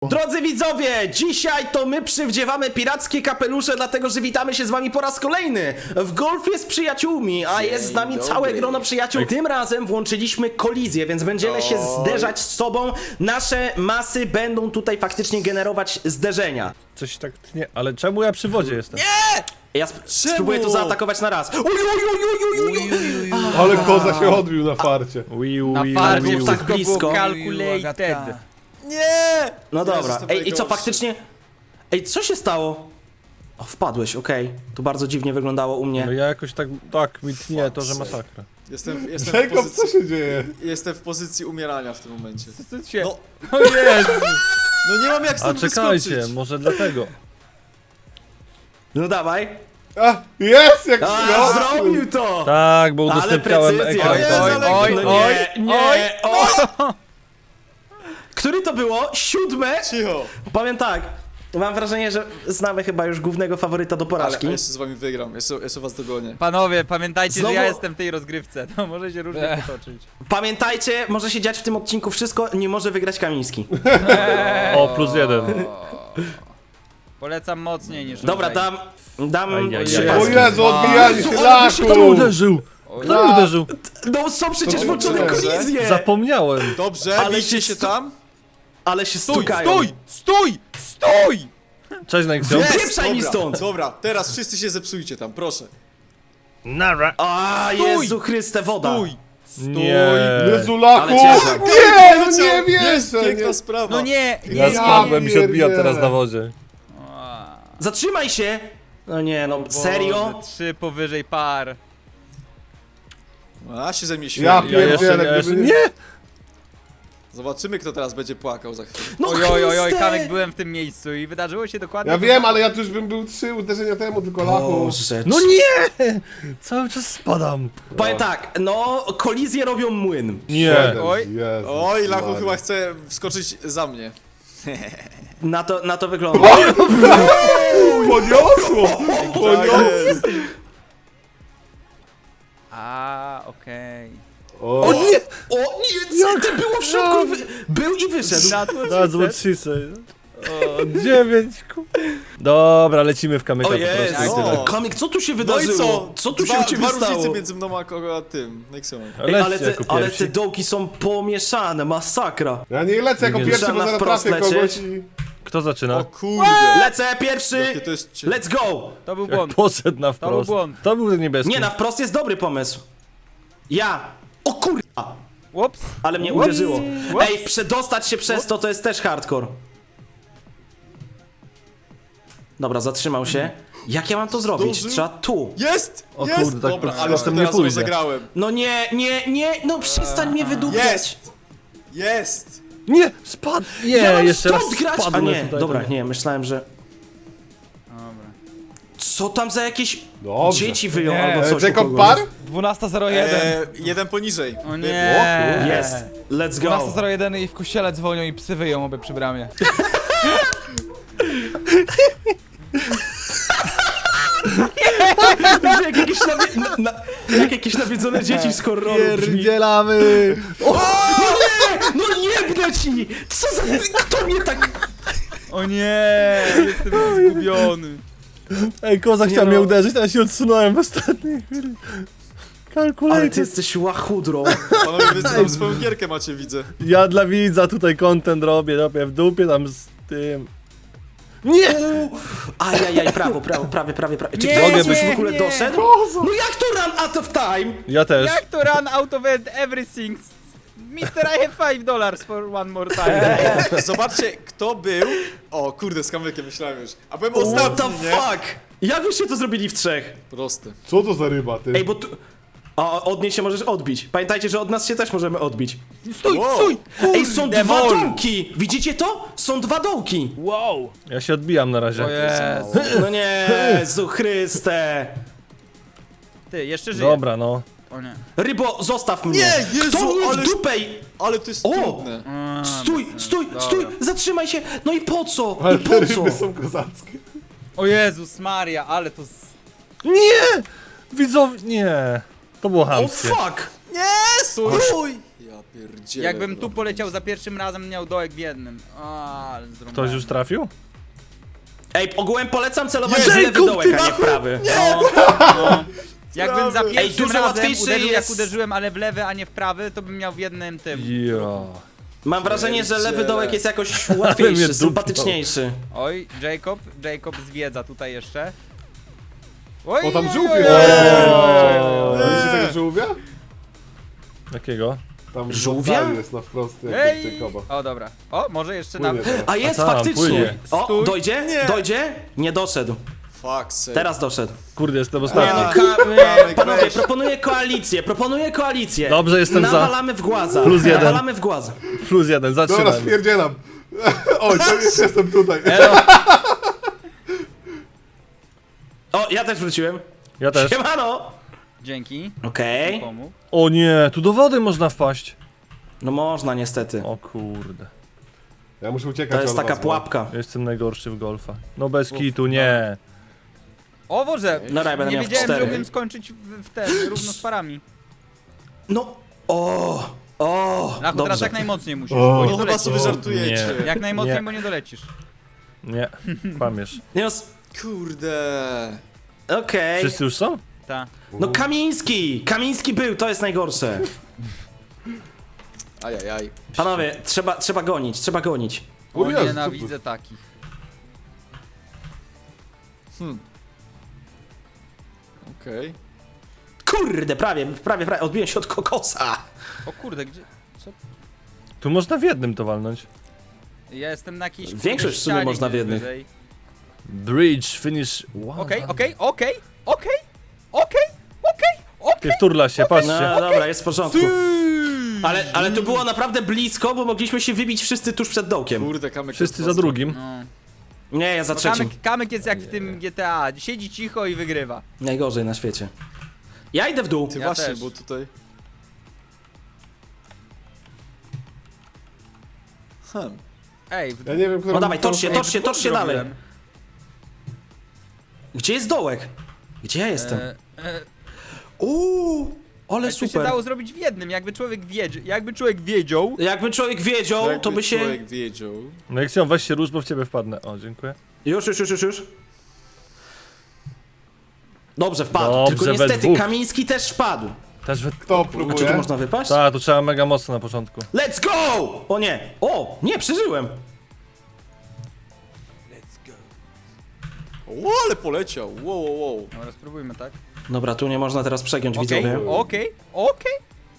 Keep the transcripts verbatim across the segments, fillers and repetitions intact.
Drodzy widzowie, dzisiaj to my przywdziewamy pirackie kapelusze, dlatego że witamy się z wami po raz kolejny w golfie z przyjaciółmi, a jest z nami dobry. całe grono przyjaciół. Tym razem włączyliśmy kolizję, więc będziemy się zderzać z sobą. Nasze masy będą tutaj faktycznie generować zderzenia. Coś tak tnie, ale czemu ja przy wodzie jestem? Ja sp spróbuję to zaatakować na raz. Uj, uj, uj, uj, uj, uj, uj. Ale koza się odbił na farcie. Wiu, Na wiu, farcie wiu. tak blisko. było calculated. Nie! No dobra, Jezus, to ej, i co najgorsze. faktycznie... Ej, co się stało? O, wpadłeś, okej. To bardzo dziwnie wyglądało u mnie. No ja jakoś tak, tak mi tnie to, że masakra. Jestem, jestem, w Jacob, co pozycji, się dzieje? jestem w pozycji umierania w tym momencie. Co się... No, O Jezu! no nie mam jak A stąd czekajcie, wyskoczyć. może dlatego. No dawaj. A, jest jak A, przyniosły. zrobił to! Tak, bo Ale udostępniałem precyzja. ekran. O Jezu, tak. ale- Oj, No oj, nie, nie, oj, o! Który to było? Siódme? Cicho. Powiem tak, mam wrażenie, że znamy chyba już głównego faworyta do Ale porażki. ja jeszcze z wami wygram, jeszcze, jeszcze was dogonię. Panowie, pamiętajcie, Znowu- że ja jestem w tej rozgrywce. To może się różnie potoczyć. Pamiętajcie, może się dziać w tym odcinku wszystko, nie może wygrać Kamiński. O, plus jeden. Polecam mocniej niż Dobra, tutaj. dam, dam Ajajaj. trzy O paski. Jezu, odbijali Jezu, się, ale wy się Kto tam mnie laku! uderzył? Kto Ja. mnie uderzył? No są przecież To włączone dobrze. kolizje! Zapomniałem. Dobrze, Ale ale bijcie się się stu- tam. Ale się Stój, stukają. stój, stój, stój! Cześć, Nexon. Jest! Pieprzaj mi Dobra, stąd. Dobra, teraz wszyscy się zepsujcie tam, proszę. Nara. A Stój! Jezu Chryste, woda! Stój! Nie. Jezu, laku! Ale ciężar. Nie, no Leciał. nie Jest wierzę! piękna Nie. sprawa. No nie, nie, Ja Ja spadłem i się odbijam pierdzielę. teraz na wodzie. Zatrzymaj się! No nie, no serio? Boże, trzy powyżej par. A się ze mnie Ja śmieje. Ja jeszcze, pierdzielę, ja jeszcze, gdyby nie! Zobaczymy, kto teraz będzie płakał za chwilę. No Oj, oj, oj, oj, Chryste! Kamek, byłem w tym miejscu i wydarzyło się dokładnie Ja to wiem, samo. ale ja tu już bym był trzy uderzenia temu, tylko laku. Boże, No nie! Cały czas spadam. powiem tak, no kolizje robią młyn. Nie. Oj. Jezu, Oj, Lachu Maria. chyba chce wskoczyć za mnie. Na to, na to wygląda. Poniosło! Poniosło! A, okej. O, O nie! O nie! Co ty było w środku? i Wy... Był i wyszedł. That's what she said. O, dziewięć, ku... Dobra, lecimy w kamyka O po prostu jest! i tyle. O. Kamik, co tu się No i wydarzyło? co? tu dwa, się u ciebie dwa stało? różnice między mną a, kogo- a tym, Nexonem. Ej, Lećcie ale, te, jako ale pierwsi. te dołki są pomieszane, masakra. ja nie lecę jako Nie pierwszy, trzeba bo zaraz wprost trafię kogoś lecieć. i... Kto zaczyna? O kurde. Lecę pierwszy! Jakie to jest cie- Let's go! To był Jak błąd. poszedł na To był wprost. błąd. To był niebieski. Nie, na wprost jest dobry pomysł. Ja! O kurwa! Ups. Ale mnie Ups. uderzyło. Ups. Ej, przedostać się przez to, to jest też hardcore. Dobra, zatrzymał się. Jak ja mam to zrobić? Zdążył? Trzeba tu. Jest! O jest! kurde, tak Dobra, po- ale z tym to nie teraz pójdzie. rozegrałem. No nie, nie, nie, no przestań mnie wydupiać. Jest! Jest! Nie, spadł. Nie, Ja mam jeszcze raz stąd grać! A spadłem nie, tutaj. dobra, to nie, myślałem, że... Dobra. Co tam za jakieś Dobrze. dzieci wyją Nie. albo coś u Jacob kogoś? Par? dwunasta zero jeden. Eee, jeden poniżej. O nie. Jest, let's go. dwunasta zero jeden i w kościele dzwonią i psy wyją obie przy bramie. jak, jakieś nawie... na, na, jak jakieś nawiedzone dzieci z horroru brzmi. Pierdzielamy! No nie! No jebnę ci! Co za... Kto mnie tak... O nie, jestem zgubiony. Ej, koza chciał no. mnie uderzyć, ale się odsunąłem w ostatniej chwili. Ale Kalkulator. ty jesteś łachudrą. Panowie, wy tam swoją gierkę macie, widzę. Ja dla widza tutaj content robię, robię w dupie tam z tym. Nie! Ajajaj, prawo, prawo, prawie, prawie, prawie. Czy Nie, ktoś mogę już być- w ogóle nie. doszedł? No jak to run out of time? Ja też. Jak to run out of everything? mister I have five dollars for one more time. Zobaczcie, kto był... O kurde, z kamykiem myślałem już. A byłem What the ostatni, nie? fuck? Jak wyście to zrobili w trzech? Proste. Co to za ryba, ty? Ej, bo tu... A od niej się możesz odbić. Pamiętajcie, że od nas się też możemy odbić. Stój, Wow. stój! Ej, są Kurde, dwa mol. dołki! Widzicie to? Są dwa dołki! Wow! Ja się odbijam na razie. O Jezu. No nie, Jezu Chryste! Ty, jeszcze żyję. Tak. Dobra, no. O nie. Rybo, zostaw mnie! Nie, Jezu, To mnie w ale- dupę! Ale to jest O! trudne. A, Stój, bez stój, sensu. stój! Dobra. Zatrzymaj się! No i po co? Ale I te po co? ryby są kozackie. O Jezus Maria, ale to... z- Nie! Widzowie, nie. To było O chamskie. fuck! Nie, stój! Ja pierdzielę. Jakbym no. tu poleciał za pierwszym razem, miał dołek w jednym. A, ale zrąbałem. Ktoś już trafił? Ej, ogółem polecam celować w Jacob, lewy dołek, ty a nie w prawy. No, no. Jakbym za Ej, pierwszym dużo razem łatwiejszy uderzył jak jest- uderzyłem, ale w lewy, a nie w prawy, to bym miał w jednym tym. Ja. Mam wrażenie, że lewy Pierdziele. dołek jest jakoś mnie łatwiejszy, dupnął. sympatyczniejszy. Oj, Jacob, Jacob zwiedza tutaj jeszcze. Oj, O, tam oj, żółwie! oj, Eee! oj, oj. Widzicie tego żółwia? Jakiego? Tam Żółwia? Żółwia? Jest na wprost jak Ej! Jacoba. O, dobra. O, może jeszcze na... Płynie teraz. A jest A tam, faktycznie. płynie. O, Stój. dojdzie? Nie. Dojdzie? Nie doszedł. Fuck sake. Teraz doszedł. Kurde, jestem Nie ostatni. no, A. ka- e, Kamek, panowie, weź. proponuję koalicję, proponuję koalicję. Dobrze, jestem za. Nawalamy w głaza. Plus jeden. Nawalamy w głaza. Plus jeden, Dobra, zatrzymaj. spierdzielam. Oj, to już jestem tutaj. O, ja też wróciłem. Ja też. Siemano! Dzięki. Okej. Pomógł. O nie, tu do wody można wpaść. No można niestety. O kurde. Ja muszę uciekać To jest od taka was, bo- pułapka. Ja jestem najgorszy w golfa. No bez kitu, nie. O Boże, No dobra, będę nie miał w wiedziałem, że cztery. umiem skończyć w, w ten, równo z parami. No, o, o, Lachu, teraz dobrze. jak najmocniej musisz, O. bo nie No chyba dolecisz. sobie żartujecie. Nie. Jak najmocniej, Nie. bo nie dolecisz. Nie, kłamiesz. Nie, no, s- Kurde. okej. Wszyscy już są? Ta. No Kamiński! Kamiński był, to jest najgorsze. Ajajaj. Panowie, trzeba, trzeba gonić, trzeba gonić. O, O Jezu, nienawidzę takich. Okej. Kurde, prawie, prawie, prawie, odbiłem się od kokosa. O kurde, gdzie... Co? Tu można w jednym to walnąć. Ja jestem na jakiejś... Większość kurde w sumie ścianie można w gdzieś jednych. wyżej. Bridge, finish. Wow. Okej, okej, okej, okej, okej, okej, okej. Ty wturla się, No patrzcie. dobra, jest w porządku. Ale, ale to było naprawdę blisko, bo mogliśmy się wybić wszyscy tuż przed dołkiem. Kurde, kamek. Wszyscy jest za drugim. No. Nie, ja za Bo trzecim. Kamek, Kamek jest jak w tym G T A, siedzi cicho i wygrywa. Najgorzej na świecie. Ja idę w dół. Ty Ja właśnie, też. bo tutaj... Hmm. Ej, w Ja nie wiem, kto... No dawaj, kto- tocz się, Ej, tocz się, w dwóch tocz się dalej. zrobiłem. Gdzie jest dołek? Gdzie ja jestem? E, e, Uuu, ale to się super. dało zrobić w jednym, jakby człowiek wiedział, jakby człowiek wiedział. Jakby człowiek wiedział, Jakby to by się... człowiek wiedział. No jak się weź się róż, bo w ciebie wpadnę. O, dziękuję. Już, już, już, już, już. Dobrze, wpadł. Dobrze, Tylko we niestety dwóch. Kamiński też wpadł. Też we... Kto A czy tu próbuje? można wypaść? Tak, to trzeba mega mocno na początku. Let's go! O nie! O, nie, przeżyłem. O, ale poleciał. Wow, wow, wow. Dobra, spróbujmy, tak? Dobra, tu nie można teraz przegiąć, Okej, widzowie. okej, okej.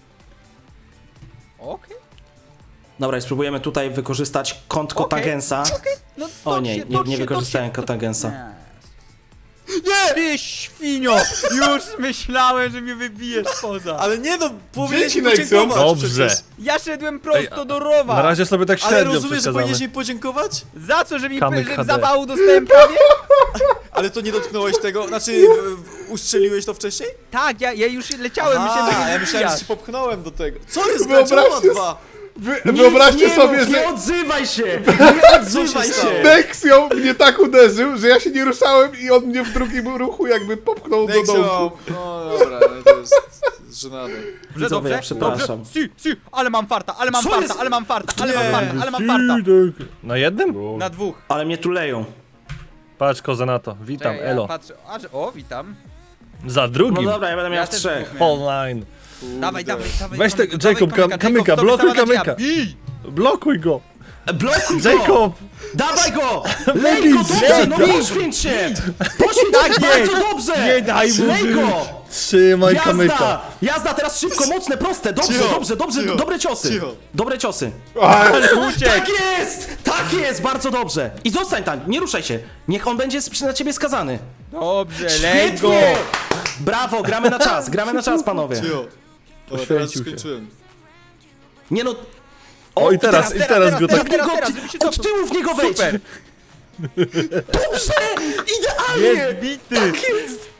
Okej, Dobra, i spróbujemy tutaj wykorzystać kąt Okej. kotangensa. no O tocz nie, się, nie, tocz nie się, wykorzystałem tocz się, kotangensa. Nie! Ty świnio! Już myślałem, że mnie wybijesz poza. Ale nie no, powinieneś mi Dzięki, Nexon. podziękować Dobrze. przecież. Ja szedłem prosto do rowa! Na razie sobie tak Ale średnio rozumiesz, że przeszkadzamy. powinieneś mi podziękować? Za co, że mi Kamyk że H D. zawału dostałem prawie? Ale to nie dotknąłeś tego, znaczy w- w- ustrzeliłeś to wcześniej? Tak, ja, ja już leciałem, myślałem, że A, mnie ja myślałem, że wybijasz. się popchnąłem do tego. Co jest Wyobraźcie Wyobraźcie dwa? Wy, Nic wyobraźcie nie sobie, mów, że nie odzywaj się! Nie odzywaj się stało? się! Nexio mnie tak uderzył, że ja się nie ruszałem i on mnie w drugim ruchu jakby popchnął do Nexo, dołku. no dobra, ale to jest żenade. Że Widzowie, dobrze, ja przepraszam. dobrze. Si, si, ale mam farta, ale mam Co farta, jest? ale mam farta, ale Nie. mam farta, ale mam farta. Na jednym? Na dwóch. Ale mnie tu leją. Patrz, koza na to. Witam, Czekaj, ja elo. patrzę, a, że- o, witam. Za No drugim. dobra, ja będę miał Ja w też trzech. dwóch miałem. Online. Kurde. Dawaj, dawaj, dawaj. Weź te- kamyka, Jacob, dawaj kam- kamyka, to blokuj wystała nadzieja. kamyka. Bij! Blokuj go. Blokuj go! Jacob! Dawaj go! Lej go, dobrze, no poświęć się! Poświęć Tak się jest! bardzo dobrze! Nie daj mu Lej żyć. go! Trzymaj Jazda! kamyka. Jazda, teraz szybko, mocne, proste, dobrze, Cicho, dobrze, dobrze, cicho, dobre ciosy. cicho. Dobre ciosy. Uciekł! Tak jest! Tak jest, bardzo dobrze. I zostań tam, nie ruszaj się. Niech on będzie sp- na ciebie skazany. Dobrze, lej go! Świetnie! Brawo, gramy na czas, gramy na czas, panowie. Cio. Dobra, teraz Poświęcił się. skończyłem. Nie no... O, i teraz, i teraz, teraz, go teraz, tak... teraz, Tylko teraz, ty- żeby się od cofnął. tyłu w niego wejdź. Super! Dobrze! Idealnie! Jest bity! Jest!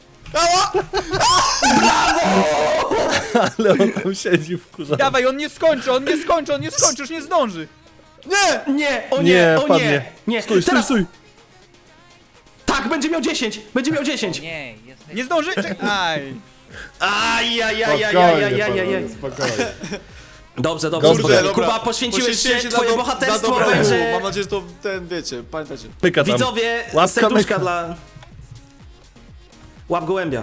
Ale on tam siedzi w kurze. Dawaj, on nie skończy, on nie skończy, on nie skończy, już nie zdąży. Nie! Nie, o nie, Nie, o padnie. nie! Nie, Stój, stój, teraz... stój. Tak, będzie miał dziesięć! Będzie miał dziesięć! Nie, jesteś... Nie zdąży? Czek- Aj. Aj, aj, aj, aj, aj, Spokojnie, aj, aj, aj, aj. panowie, spokojnie. Dobrze, dobrze, Kurde, spokojnie. dobra. Kuba, poświęciłeś Poświęciłem się, na twoje do- bohaterstwo na dobrą. będzie... Mam nadzieję, że to ten, wiecie, pamiętacie. Pyka tam. Widzowie, Łapka serduszka myka. dla... Łap gołębia.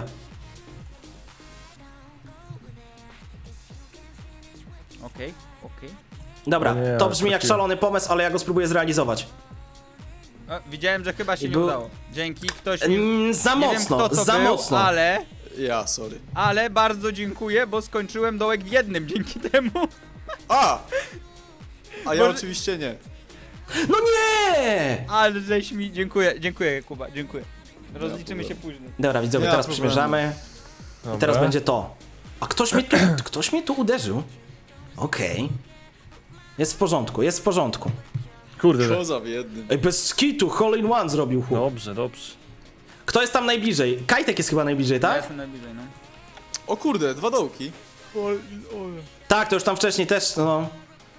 Okej, okej. Dobra, O nie, to brzmi jak trafiłem. szalony pomysł, ale ja go spróbuję zrealizować. O, widziałem, że chyba się I nie był- udało. Dzięki, ktoś mi... Mm, za Nie wiem mocno, kto to za był, mocno. ale... Ja, sorry. Ale bardzo dziękuję, bo skończyłem dołek w jednym dzięki temu. A! A ja Może- oczywiście nie. No nie! Ale żeś mi... Dziękuję, dziękuję Kuba, dziękuję. Rozliczymy się później. Dobra, widzowie, Nie ma teraz problemu. przymierzamy. I Dobra. teraz będzie to. A ktoś mnie tu, ktoś mnie tu uderzył. Okej. Jest w porządku, jest w porządku. Kurde. Koza w jednym. Ej, bez skitu, hole in one zrobił chłop. Dobrze, dobrze. Kto jest tam najbliżej? Kajtek jest chyba najbliżej, Ja tak? jestem najbliżej, no. O kurde, dwa dołki. Tak, to już tam wcześniej też, no.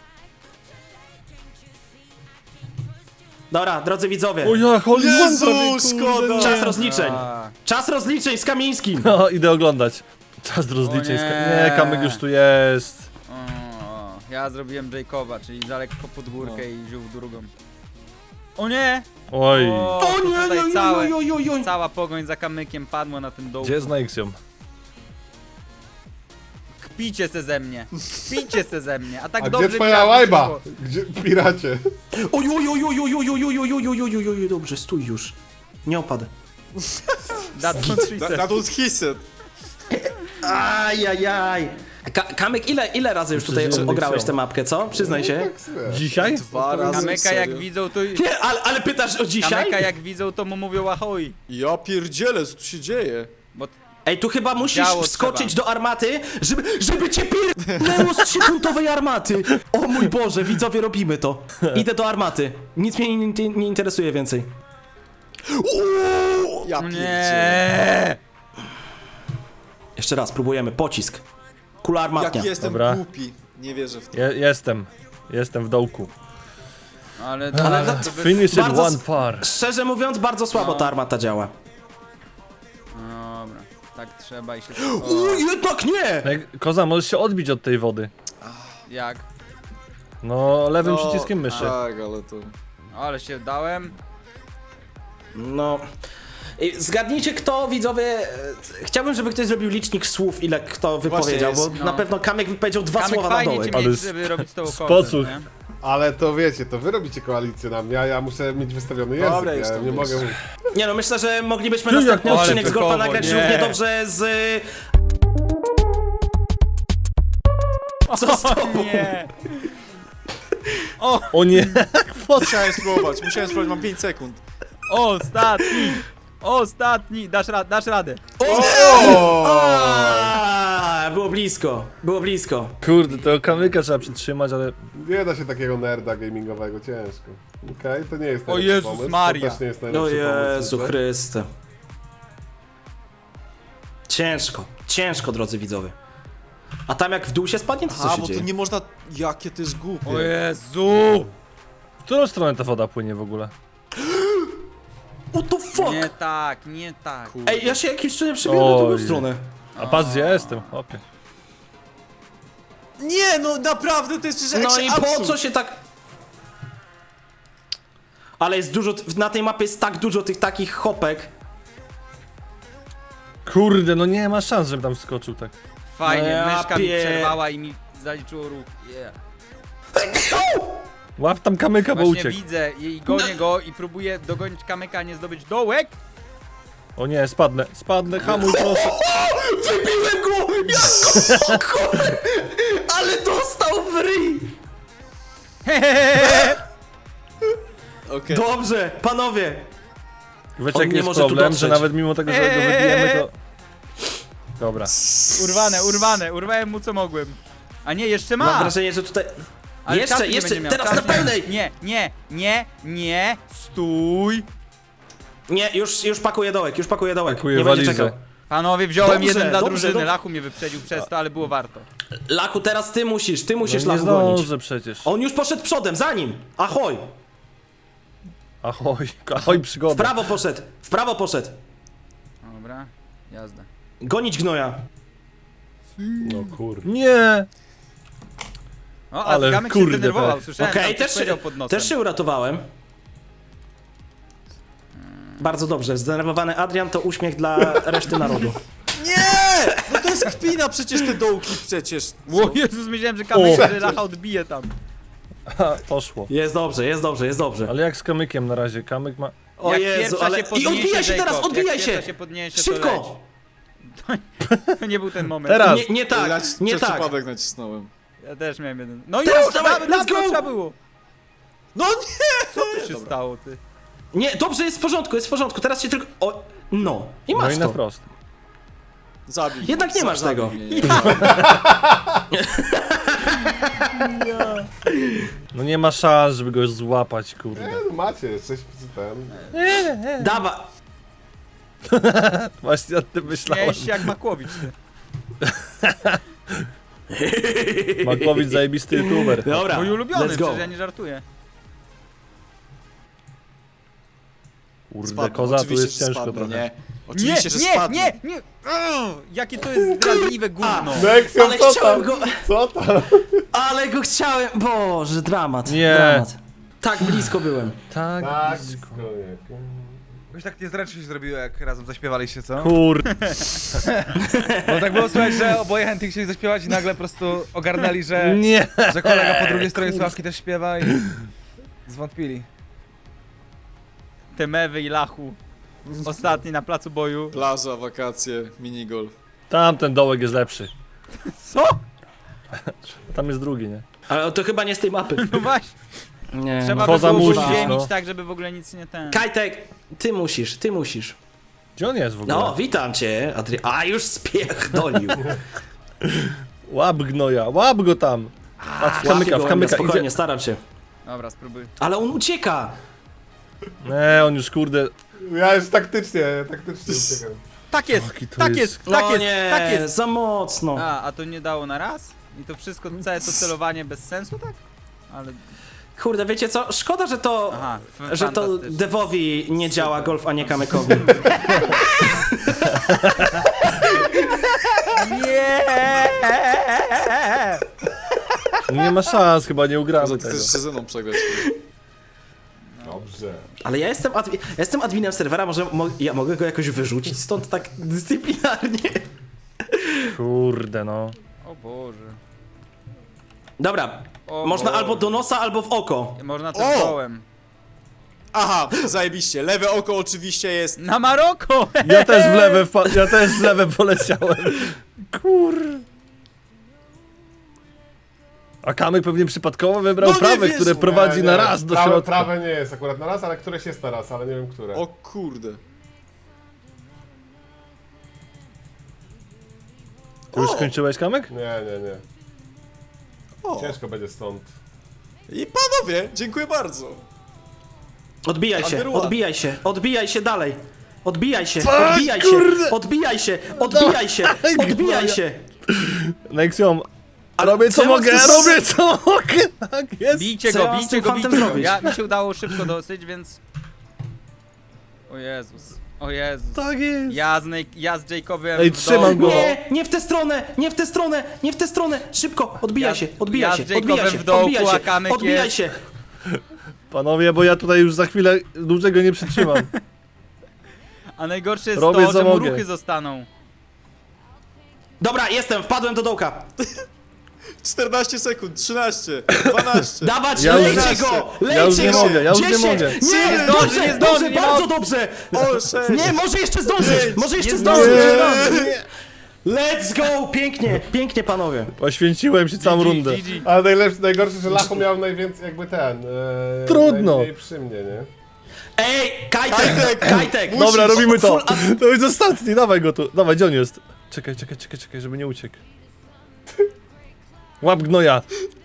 Dobra, drodzy widzowie. O ja, Holy One Jezu, prawie, kurde. szkoda! Czas rozliczeń. A, Czas rozliczeń z Kamińskim. No, idę oglądać. Czas rozliczeń. O nie. Nie, Kamyk już tu jest. o, ja zrobiłem Jacoba, czyli za lekko pod górkę i wziął drugą. O nie! Oj. O, O to nie, tutaj nie, całe, nie, nie, nie, nie. cała pogoń za kamykiem padła na tym dołku. Gdzie jest Nexium? Kpicie se ze mnie. Kpicie se ze mnie. A tak A dobrze gdzie mi twoja razem łajba? szło. Gdzie, piracie? Oj, oj, oj, oj, oj, oj, oj, oj, oj, oj, oj, oj, oj, oj, dobrze, stój już. Nie opadł. That was she Na, said. na to hisset. Ajajaj. Ka Kamek, ile, ile razy już tutaj Przeżyłem ograłeś Nexium. tę mapkę, co? Przyznaj się. Tak sobie. Dzisiaj? Dwa razy, Kamyka jak serio? widzą to... Nie, ale, ale pytasz o dzisiaj? Kamyka jak widzą to mu mówią ahoj. Ja pierdzielę, co tu się dzieje? Bo Ej, tu chyba musisz Działo wskoczyć trzeba. do armaty, żeby, żeby cię pierdnęło z trzyfuntowej armaty. O mój Boże, widzowie, robimy to. Idę do armaty. Nic mnie nie, nie, nie interesuje więcej. Uuu! Ja pierdzielę. nie. Jeszcze raz, próbujemy. Pocisk. Kula armatnia. Jak jestem Dobra. głupi. Nie wierzę w to. Je, jestem. Jestem w dołku. Ale, Ale ale to- to by... Finish it Bardzo one s- par. Szczerze mówiąc, bardzo słabo No. ta armata działa. Dobra, tak trzeba i się... Uuu, O, jednak nie! Jak- Koza, możesz się odbić od tej wody. jak? No, lewym No, przyciskiem myszy. Tak, ale to... Ale się dałem. No. Ej, zgadnijcie kto, widzowie, e, chciałbym, żeby ktoś zrobił licznik słów, ile kto wypowiedział, jest. bo No. na pewno Kamek wypowiedział dwa Kamek słowa na fajnie dołek. cię Ale mieć, z- żeby robić z tobą sposób. content, nie? Ale to wiecie, to wy robicie koalicję na mnie, a ja muszę mieć wystawiony język. Dobra, już ja tam nie jest. mogę... Nie no, myślę, że moglibyśmy Ty, następny jak odcinek z golfa typowo, nagrać nie. równie dobrze z... Co z tobą? Nie. O nie! Musiałem spróbować, musiałem spróbować, mam pięć sekund. Ostatni! Ostatni! Dasz, ra dasz radę. A, było blisko, było blisko. Kurde, tego Kamyka trzeba przytrzymać, ale... Nie da się takiego nerda gamingowego, ciężko. Okej, to nie jest O najlepszy Jezus pomysł. Maria. To też nie jest O najlepszy Jezu pomysł. Chryste. Ciężko, ciężko, drodzy widzowie. A tam jak w dół się spadnie, to co A, się bo dzieje? to nie można... Jakie to jest głupie. O Jezu! W którą stronę ta woda płynie w ogóle? What the fuck? Nie tak, nie tak. Kurde. Ej, ja się jakimś cudem przebiłem na drugą Oj. stronę. A patrz gdzie ja jestem, okej. Nie, no naprawdę, to jest przecież No jakiś i po absurd. co się tak... Ale jest dużo, na tej mapie jest tak dużo tych takich hopek. Kurde, no nie ma szans, żebym tam skoczył tak. Fajnie, No ja myszka mi pie- przerwała i mi zaliczyło ruch. Yeah. Łap tam Kamyka, bo Właśnie uciekł. widzę i gonię go i próbuję dogonić kamyka, a nie zdobyć dołek. O nie, spadnę, spadnę, hamuj proszę. Wybiłem go! Jak go! Ale dostał w ryj! Okej. Dobrze, panowie. Wiecie On jaki nie jest może tu problem, że dotrzeć. nawet mimo tego, że go wybijemy, to... Dobra. Urwane, urwane, urwałem mu co mogłem. A nie, jeszcze ma! Mam wrażenie, że tutaj... Ale jeszcze, czasu nie jeszcze, będzie miał, teraz czasu na nie- pełnej! Nie, nie, nie, nie, stój! Nie, już, już pakuję dołek, już pakuję dołek. Pakuję nie będzie walizę. czekał. Panowie, wziąłem Dobrze, jeden dla dobrze, drużyny, dobrze. Lachu mnie wyprzedził przez to, ale było warto. Lachu, teraz ty musisz, ty musisz No nie Lachu gonić. zdążę przecież. On już poszedł przodem, za nim! Ahoj! Ahoj, ahoj W przygoda. prawo poszedł, w prawo poszedł. Dobra, jazda. Gonić gnoja. No kurde. Nie! O, a Ale Kamek się kurde, zdenerwował, tak. słyszałem, Okej, tam coś też, powiedział pod nosem. też się uratowałem. Bardzo dobrze, zdenerwowany Adrian to uśmiech dla reszty narodu. Nie! No to jest kpina przecież te dołki przecież. Co? O Jezus, myślałem, że Kamek O. że Lacha odbije tam. Ha, poszło. Jest dobrze, jest dobrze, jest dobrze. Ale jak z kamykiem na razie? Kamyk ma... O Jak Jezu, pierwsza ale... się I podniesie, odbijaj się teraz, Jacob, odbijaj jak się! pierwsza się podniesie, to Szybko! To nie był ten moment. Teraz! Nie, nie tak, Ja nie przez tak. przypadek nacisnąłem. Ja też miałem jeden. No Teraz już, dawaj, dawaj, let's dawno go! trzeba było. No nie! Co tu się stało, ty? Nie, dobrze, jest w porządku, jest w porządku, teraz się tylko... O, no, i No masz i na to. wprost. Jednak Zabij. nie Zabij masz tego. mnie, nie. No nie ma szans, żeby go złapać, kurde. Nie, no macie, jesteś ten... Dawa... Właśnie o tym myślałem. Miałeś się jak Makłowicz, ty. Makłowicz zajebisty youtuber. Dobra, Mój ulubiony, let's go. przecież ja nie żartuję. Kurde, Spadnę, koza tu oczywiście, jest że ciężko spadnę, trochę. Nie, Nie, oczywiście, że nie, spadnę. nie, nie! Ugh, jakie to jest zdradliwe gówno. Nexium, Ale co chciałem tam? go... Co tam? Ale go chciałem... Boże, dramat, Nie. dramat. Tak blisko byłem. Tak, Tak, blisko. blisko, nie. Jakoś tak niezręcznie się zrobiło, jak razem zaśpiewaliście, co? Kurde. Bo tak było słychać, że oboje chętnie chcieli zaśpiewać i nagle po prostu ogarnęli, że, Nie. że kolega po drugiej stronie Sławki też śpiewa i zwątpili. Te mewy i Lachu. Ostatni na placu boju. Plaża, wakacje, minigolf. Tamten dołek jest lepszy. Co? Tam jest drugi, nie? Ale to chyba nie z tej mapy. No właśnie. Nie, Trzeba no. by Koza było musisz, uziemić no. tak, żeby w ogóle nic nie ten... Kajtek, ty musisz, ty musisz. Gdzie on jest w ogóle? No, witam cię, Adri... A, już spierdolił. Łap gnoja, łap go tam. Patrz, w kamyka, w Łapię go, kamyka spokojnie, idzie. staram się. Dobra, spróbuj. Ale on ucieka. Nie, on już kurde... Ja już taktycznie, taktycznie uciekam. Tak jest, Jaki to tak jest- jest, tak No jest, nie, tak jest. za mocno. A, a to nie dało na raz? I to wszystko, całe to celowanie bez sensu, tak? Ale... Kurde, wiecie co? Szkoda, że to... Aha, f- Że to fantastycznie. Devowi nie działa golf, a nie kamykowi. Nie! Nie ma szans, chyba nie Koza, ugramy ty tego. chcesz się ze mną przegrać. Dobrze. Ale ja jestem, admi ja jestem adminem serwera, może mo ja mogę go jakoś wyrzucić stąd tak dyscyplinarnie. Kurde, no. O Boże. Dobra, O można Boże. albo do nosa, albo w oko. Można O! też dołem. Aha, zajebiście. Lewe oko oczywiście jest... Na Maroko! Ja też w lewe, wpa- ja też w lewe poleciałem. Kur... A Kamyk pewnie przypadkowo wybrał No nie prawe, wiesz, które nie, prowadzi Nie, na nie, raz do prawe, środka. prawe nie jest akurat na raz, ale któreś jest na raz, ale nie wiem które. O kurde. Ty już skończyłeś, Kamyk? Nie, nie, nie. O. Ciężko będzie stąd. I panowie, dziękuję bardzo. Odbijaj się, Underwood. odbijaj się, odbijaj się dalej. Odbijaj się, Tak, odbijaj się, kurde. odbijaj się, odbijaj się, odbijaj się. Nexium, Ale robię co co ja mam mogę, z- robię co mogę, tak jest. Bijcie Co ja go, mam z bijcie tym go, fantem bijcie go. zrobić? Ja, mi się udało szybko dosyć, więc... O Jezus, o Jezus. Tak jest. Ja z, Nej- ja z Jacobem Ej, w trzymam dołku. go. Nie, nie w tę stronę, nie w tę stronę, nie w tę stronę. Szybko, odbijaj Ja- się, odbijaj ja się, z Jacobem odbijaj się, w dołku, odbijaj a się, Kamyk odbijaj jest- się. Panowie, bo ja tutaj już za chwilę dłużego nie przytrzymam. A najgorsze jest Robię, to, co że mu mogę. ruchy zostaną. Dobra, jestem, wpadłem do dołka. czternaście sekund, trzynaście, dwanaście. Dawać, Ja już- lejcie go, lejcie Ja już nie go. mogę, ja już nie dziesięć. mogę. Nie, Nie zdąży, dobrze, nie zdąży, dobrze, nie bardzo ma- dobrze. O, sześć. Nie, może jeszcze zdążyć, może jeszcze nie zdążyć. zdąży. Let's go, pięknie, pięknie panowie. Poświęciłem się całą G G, rundę. G G. Ale najlepszy, najgorsze, że Lachu miał najwięcej jakby ten... E, Trudno. Najmniej przy mnie, nie? Ej, Kajtek, Kajtek, Kajtek. musisz. Dobra, robimy to. Full ad- To jest ostatni, dawaj go tu. Dawaj, gdzie on jest? Czekaj, czekaj, czekaj, czekaj, żeby nie uciekł. Łap gnoja.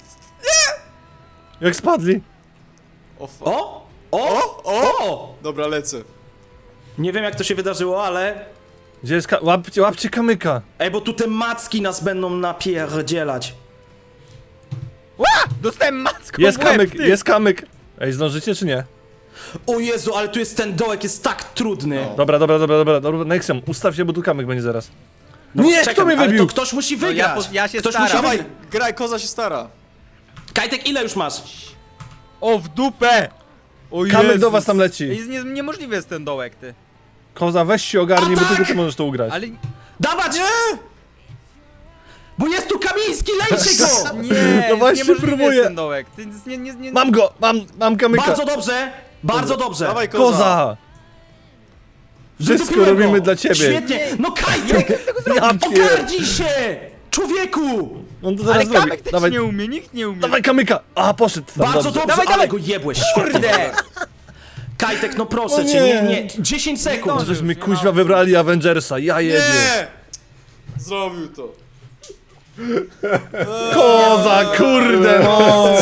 Jak spadli. O, fuck. O, o, o. Dobra, lecę. Nie wiem jak to się wydarzyło, ale... Gdzie jest ka- łapcie, łapcie kamyka. Ej, bo tu te macki nas będą napierdzielać. Ła! Dostałem macką Jest w łeb, kamyk, ty. jest kamyk. Ej, zdążycie czy nie? O Jezu, ale tu jest ten dołek, jest tak trudny. No. Dobra, dobra, dobra, dobra, dobra. Nexium, ustaw się, bo tu kamyk będzie zaraz. No, nie, czekam, kto mnie ale wybił? to ktoś musi No ja wygrać. po- ja się ktoś staram. musi Dawaj, wygrać. graj, koza się stara. Kajtek, ile już masz? O, w dupę! O Kamek Jezus. do was tam leci. Jest nie, niemożliwy jest ten dołek, ty. Koza, weź się ogarnij, bo Atak! tylko ty możesz to ugrać. Ale Dawać! Nie! Bo jest tu Kamiński, lejcie go! nie, No właśnie niemożliwy próbuję. jest ten dołek. Ty, jest nie, nie, nie, Mam go! Mam, mam kamyka! Bardzo dobrze, bardzo dobrze. Dawaj, koza. Koza! Wszystko Wydupiłem robimy go. dla ciebie. Świetnie! No Kajtek! Ja pier... Ogarnij się! Człowieku! On to Ale zaraz zrobi. Kamek też Dawaj, nie umie, nikt nie umie. dawaj kamyka! A, poszedł tam, Bardzo dobrze. dobrze, Dawaj, ale dawaj. go jebłeś, świetnie. Kurde! Kajtek, no proszę O cię, nie, nie. nie, dziesięć sekund. zdążę. Żeśmy Nie kuźwa ma- wybrali Avengersa, ja jebie. Nie! Zrobił to. Koza, kurde no!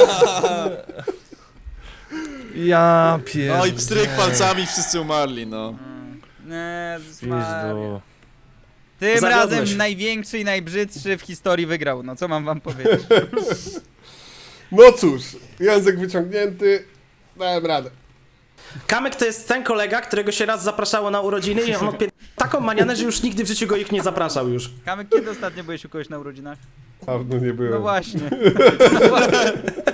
Ja pier... No i pstryk palcami, wszyscy umarli, no. Nie, Maria. Jezu. Tym Zawiodłeś. razem największy i najbrzydszy w historii wygrał. No co mam wam powiedzieć? No cóż, język wyciągnięty, dałem radę. Kamek to jest ten kolega, którego się raz zapraszało na urodziny i on odpier... taką manianę, że już nigdy w życiu go ich nie zapraszał już. Kamek, kiedy ostatnio byłeś u kogoś na urodzinach? Dawno nie byłem. No właśnie. No właśnie.